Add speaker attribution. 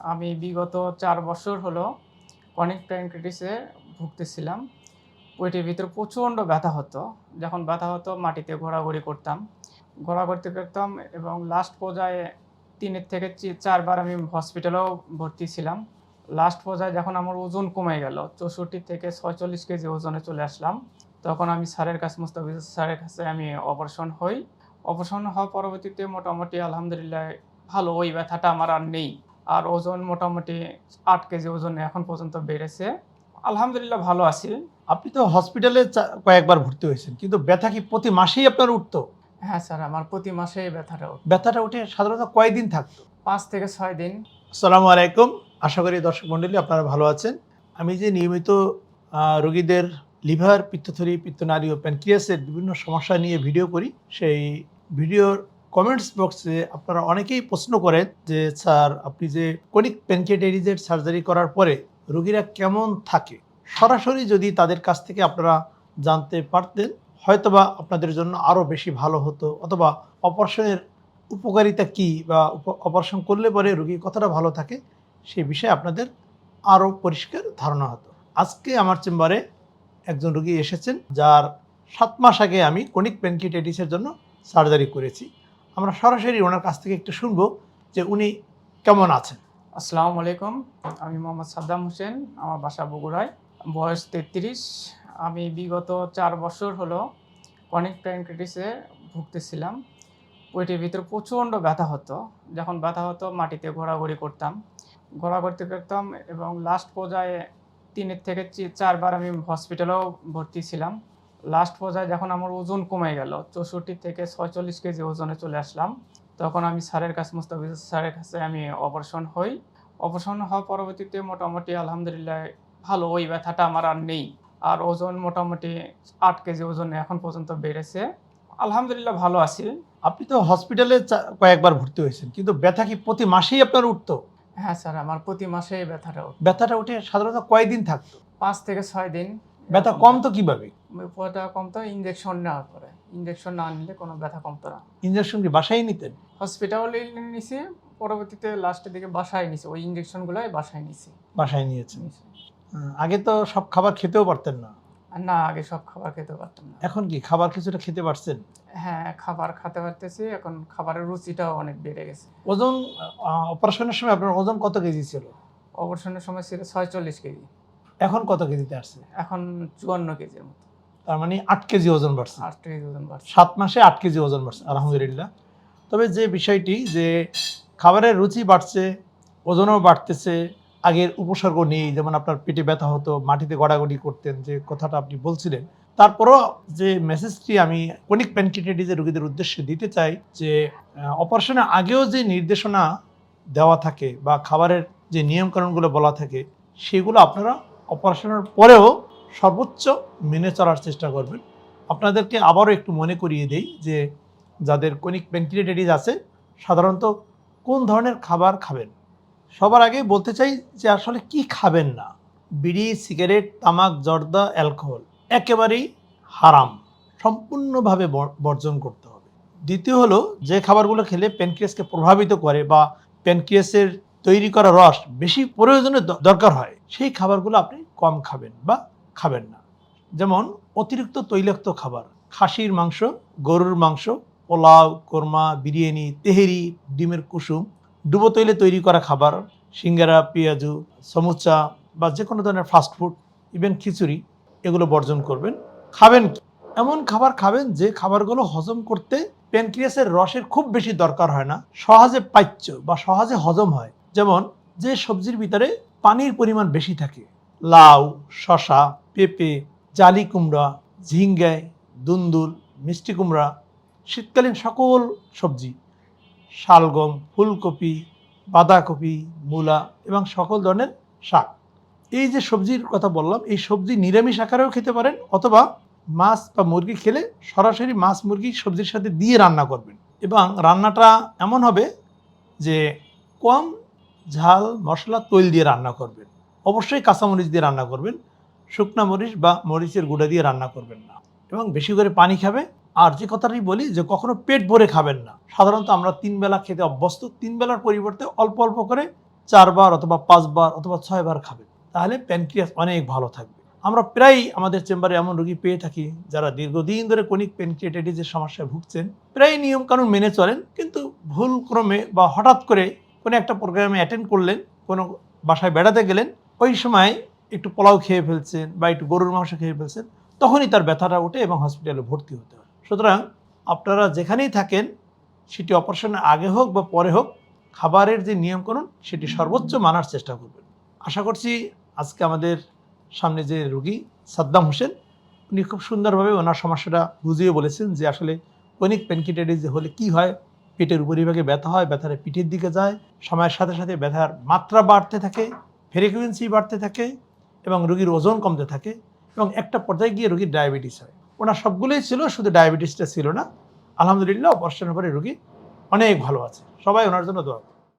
Speaker 1: আমি বিগত ৪ বছর হলো ক্রনিক প্যানক্রিয়াটিসে ভুগতেছিলাম। পেটের ভিতরে প্রচণ্ড ব্যথা হতো। যখন ব্যথা হতো মাটিতে ঘোরাঘুরি করতাম। ঘোরাঘুরি করতাম এবং লাস্ট পর্যায়ে ৩ এর থেকে ৪ বার আমি হসপিটালেও ভর্তি ছিলাম। লাস্ট পর্যায়ে যখন আমার ওজন কমে গেল, ৬৪ থেকে ৪৬ কেজি ওজনে চলে আসলাম। তখন আমি স্যারের কাছে মোস্তাফিজ স্যারের কাছে আমি অপারেশন হই। অপারেশন হওয়ার পরবর্তীতে মোটামুটি আলহামদুলিল্লাহ ভালো, ওই ব্যথাটা আমার আর নেই। আর ওজন মোটামুটি ৮ কেজি ওজনে এখন পর্যন্ত বেড়েছে। আলহামদুলিল্লাহ ভালো আছি।
Speaker 2: আপনি তো হসপিটালে কয়েকবার ভর্তি হয়েছেন, কিন্তু ব্যথা কি প্রতি মাসেই আপনার উঠতো?
Speaker 1: হ্যাঁ স্যার, আমার প্রতি মাসে এই ব্যথাটা ওঠে।
Speaker 2: ব্যথাটা উঠে সাধারণত কয়দিন থাকতো?
Speaker 1: ৫ থেকে ৬ দিন।
Speaker 2: আসসালামু আলাইকুম, আশা করি দর্শক মণ্ডলী আপনারা ভালো আছেন। আমি যে নিয়মিত রোগীদের লিভার, পিত্তথলি, পিত্তনালী ও প্যানক্রিয়াসের বিভিন্ন সমস্যা নিয়ে ভিডিও করি, সেই ভিডিওর কমেন্টস বক্সে আপনারা অনেকেই প্রশ্ন করেন যে স্যার, আপনি যে ক্রনিক প্যানক্রিয়াটাইটিসের সার্জারি করার পরে রোগীরা কেমন থাকে। সরাসরি যদি তাদের কাছ থেকে আপনারা জানতে পারতেন, হয়তোবা আপনাদের জন্য আরও বেশি ভালো হতো, অথবা অপারেশনের উপকারিতা কী বা অপারেশন করলে পরে রোগী কতটা ভালো থাকে সেই বিষয়ে আপনাদের আরও পরিষ্কার ধারণা হতো। আজকে আমার চেম্বারে একজন রোগী এসেছেন, যার 7 মাস আগে আমি ক্রনিক প্যানক্রিয়াটাইটিসের জন্য সার্জারি করেছি। আমরা সরাসরি ওনার কাছ থেকে একটু শুনবো যে উনি কেমন আছেন।
Speaker 1: আসসালামু আলাইকুম। আমি মোহাম্মদ সাদ্দাম হোসেন। আমার বাসা বগুড়ায়। বয়স ৩৩। আমি বিগত ৪ বছর হলো ক্রনিক প্যানক্রিয়াটিসে ভুগতেছিলাম। পেটের ভিতরে প্রচণ্ড ব্যথা হতো। যখন ব্যথা হতো মাটিতে ঘোরাঘুরি করতাম। ঘোরাঘুরি করতাম এবং লাস্ট পর্যায়ে ৩ এর থেকে ৪ বার আমি হসপিটালেও ভর্তি ছিলাম। লাস্ট পর্যায়ে যখন আমার ওজন কমে গেল, ৬৪ থেকে ৪৬ কেজি ওজনে চলে আসলাম। তখন আমি স্যারের কাছে মোস্তাফিজ স্যারের কাছে আমি অপারেশন হই। অপারেশন হওয়ার পরবর্তীতে মোটামুটি আলহামদুলিল্লাহ ভালো, ওই ব্যথাটা আমার আর নেই। আর ওজন মোটামুটি ৮ কেজি ওজনে এখন পর্যন্ত বেড়েছে। আলহামদুলিল্লাহ ভালো আছি।
Speaker 2: আপনি তো হসপিটালে কয়েকবার ভর্তি হয়েছেন, কিন্তু ব্যথা কি প্রতি মাসেই আপনার উঠতো?
Speaker 1: হ্যাঁ স্যার, আমার প্রতি মাসে এই ব্যথাটা ওঠে।
Speaker 2: ব্যথাটা উঠে সাধারণত কয়দিন থাকতো?
Speaker 1: ৫ থেকে ৬ দিন।
Speaker 2: ব্যথা
Speaker 1: এরকম
Speaker 2: কমতো কিভাবে?
Speaker 1: ব্যথা কমতো ইনজেকশন নেওয়ার পরে। ইনজেকশন না নিলে কোনো ব্যথা কমতো না।
Speaker 2: ইঞ্জেকশন কি বাসায় নিতেন?
Speaker 1: হসপিটালে নিছি, পরবর্তীতে লাস্টের দিকে বাসায় নিছি। ওই ইনজেকশনগুলাই বাসায় নিছি।
Speaker 2: বাসায় নিয়েছেন। আগে তো সব খাবার খেতেও পারতেন না।
Speaker 1: আর না, আগে সব খাবার খেতে পারতাম না।
Speaker 2: এখন কি খাবার কিছুটা খেতে পারছেন?
Speaker 1: হ্যাঁ, খাবার খেতে পারতেছি। এখন খাবারের রুচিটাও অনেক বেড়ে গেছে।
Speaker 2: ওজন অপারেশনের সময় আপনার ওজন কত কেজি ছিল?
Speaker 1: অপারেশনের সময় ছিল ৪৬ কেজি।
Speaker 2: এখন কত কেজিতে আসছে?
Speaker 1: এখন ৫৪ কেজির মতো।
Speaker 2: তার মানে 8 কেজি ওজন বাড়ছে।
Speaker 1: ৮ কেজি ওজন বাড়ছে।
Speaker 2: 7 মাসে 8 কেজি ওজন বাড়ছে, আলহামদুলিল্লাহ। তবে যে বিষয়টি যে খাবারের রুচি বাড়ছে, ওজনও বাড়তেছে, আগের উপসর্গ নেই, যেমন আপনার পেটে ব্যথা হতো, মাটিতে গড়াগড়ি করতেন, যে কথাটা আপনি বলছিলেন। তারপরও যে মেসেজটি আমি ক্রনিক প্যানক্রিয়াটাইটিসের রোগীদের উদ্দেশ্যে দিতে চাই, যে অপারেশনের আগেও যে নির্দেশনা দেওয়া থাকে বা খাবারের যে নিয়মকানুনগুলো বলা থাকে, সেগুলো আপনারা অপারেশনের পরেও সর্বোচ্চ মেনে চলার চেষ্টা করবেন। আপনাদেরকে আবারও একটু মনে করিয়ে দেই যে যাদের ক্রনিক প্যানক্রিয়াটাইটিস আছে সাধারণত কোন ধরনের খাবার খাবেন। সবার আগে বলতে চাই যে আসলে কি খাবেন না। বিড়ি, সিগারেট, তামাক, জর্দা, অ্যালকোহল একেবারেই হারাম, সম্পূর্ণভাবে বর্জন করতে হবে। দ্বিতীয় হলো, যে খাবারগুলো খেলে প্যানক্রিয়াসকে প্রভাবিত করে বা প্যানক্রিয়াসের তৈরি করা রস বেশি প্রয়োজনে দরকার হয়, সেই খাবারগুলো আপনি কম খাবেন বা খাবেন না। যেমন অতিরিক্ত তৈলাক্ত খাবার, খাসির মাংস, গরুর মাংস, পোলাও, কোরমা, বিরিয়ানি, তেহেরি, ডিমের কুসুম, ডুবো তৈলে তৈরি করা খাবার, সিঙ্গারা, পেঁয়াজু, সমুচা বা যে কোনো ধরনের ফাস্টফুড, ইভেন খিচুড়ি, এগুলো বর্জন করবেন। খাবেন কি? এমন খাবার খাবেন যে খাবারগুলো হজম করতে প্যানক্রিয়াসের রসের খুব বেশি দরকার হয় না, সহজে পাচ্য বা সহজে হজম হয়। যেমন যে সবজির ভিতরে পানির পরিমাণ বেশি থাকে, লাউ, শশা, পেঁপে, জালি কুমড়া, ঝিঙ্গায়, দুন্দুল, মিষ্টি কুমড়া, শীতকালীন সকল সবজি, শালগম, ফুলকপি, বাঁধাকপি, মূলা এবং সকল ধরনের শাক। এই যে সবজির কথা বললাম, এই সবজি নিরামিষ আকারেও খেতে পারেন, অথবা মাছ বা মুরগি খেলে সরাসরি মাছ মুরগি সবজির সাথে দিয়ে রান্না করবেন। এবং রান্নাটা এমন হবে যে কম ঝাল, মশলা, তৈল দিয়ে রান্না করবেন। অবশ্যই কাঁচামরিচ দিয়ে রান্না করবেন, শুকনা মরিচ বা মরিচের গুঁড়া দিয়ে রান্না করবেন না। এবং বেশি করে পানি খাবে। আর যে কথাটাই বলি যে কখনো পেট ভরে খাবেন না। সাধারণত আমরা 3 বেলা খেতে অভ্যস্ত, 3 বেলার পরিবর্তে অল্প অল্প করে 4 বার অথবা 5 বার অথবা 6 বার খাবেন, তাহলে প্যানক্রিয়াস অনেক ভালো থাকবে। আমরা প্রায় আমাদের চেম্বারে এমন রোগী পেয়ে থাকি যারা দীর্ঘদিন ধরে ক্রনিক প্যানক্রিয়াটাইটিসের সমস্যায় ভুগছেন, প্রায় নিয়মকানুন মেনে চলেন, কিন্তু ভুল ক্রমে বা হঠাৎ করে কোনো একটা প্রোগ্রামে অ্যাটেন্ড করলেন, কোনো বাসায় বেড়াতে গেলেন, ওই সময় একটু পোলাও খেয়ে ফেলছেন বা একটু গরুর মাংস খেয়ে ফেলছেন, তখনই তার ব্যথাটা ওঠে এবং হসপিটালে ভর্তি হতে হয়। সুতরাং আপনারা যেখানেই থাকেন, সেটি অপারেশনের আগে হোক বা পরে হোক, খাবারের যে নিয়মকানুন সেটি সর্বোচ্চ মানার চেষ্টা করবেন। আশা করছি আজকে আমাদের সামনে যে রোগী সাদ্দাম হোসেন, উনি খুব সুন্দরভাবে ওনার সমস্যাটা বুঝিয়ে বলেছেন যে আসলে ক্রনিক প্যানক্রিয়াটাইটিস হলে কি হয়। পেটের উপরিভাগে ব্যথা হয়, ব্যথাটা পিঠের দিকে যায়, সময়ের সাথে সাথে ব্যথার মাত্রা বাড়তে থাকে, ফ্রিকোয়েন্সি বাড়তে থাকে এবং রোগীর ওজন কমতে থাকে এবং একটা পর্যায়ে গিয়ে রোগীর ডায়াবেটিস হয়। ওনার সবগুলোই ছিল, শুধু ডায়াবেটিসটা ছিল না। আলহামদুলিল্লাহ অপারেশনের পরে রোগী অনেক ভালো আছে। সবাই ওনার জন্য দোয়া করুন।